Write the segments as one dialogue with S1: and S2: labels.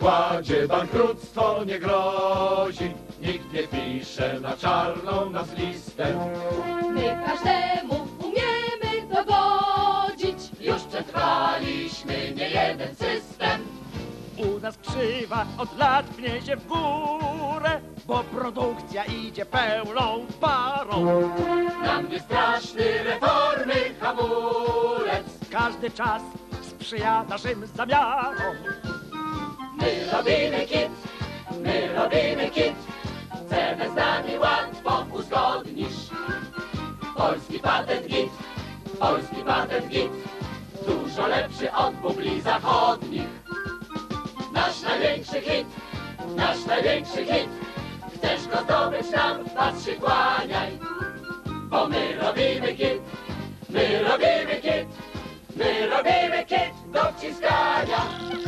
S1: układzie bankructwo nie grozi. Nikt nie pisze na czarną nas listę.
S2: My każdemu umiemy dogodzić.
S1: Już przetrwaliśmy niejeden system.
S3: U nas krzywa od lat pnie się w górę, bo produkcja idzie pełną parą.
S1: Nam nie straszny reformy hamulec.
S3: Każdy czas sprzyja naszym zamiarom.
S1: My robimy kit, my robimy kit. Cenę z nami łatwo uzgodnisz. Polski patent git, polski patent git. Dużo lepszy od bubli zachodnich. Nasz największy hit, nasz największy hit. Chcesz go zdobyć nam, patrz się kłaniaj. Bo my robimy kit, my robimy kit. My robimy kit do wciskania.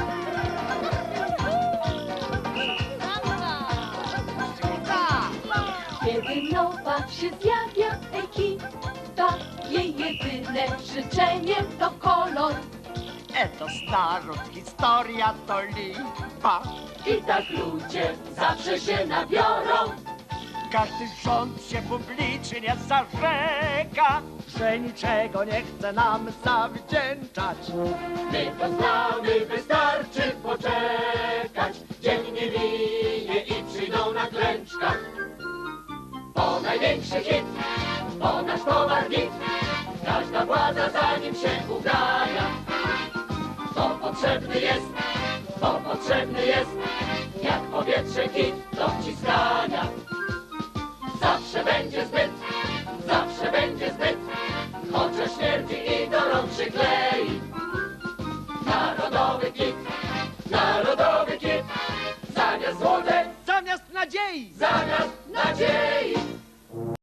S2: Kiedy nowa się zjawia ekipa, jej jedyne życzenie to kolor.
S3: Etos naród, historia to lipa.
S1: I tak ludzie zawsze się nabiorą.
S3: Każdy rząd się publicznie zarzeka, że niczego nie chce nam zawdzięczać.
S1: My to znamy, wystarczy poczekać. Dzień nie minie i przyjdą na klęczkach. Po największy hit, po nasz towar git. Każda władza za nim się ugania. To potrzebny jest, to potrzebny jest. Jak powietrze kit do wciskania. Zawsze będzie zbyt, zawsze będzie zbyt. Chociaż śmierdzi i do rąk przyklei. Narodowy kit, narodowy kit. Zamiast złotek,
S3: Zamiast nadziei
S1: zamiast nadziei.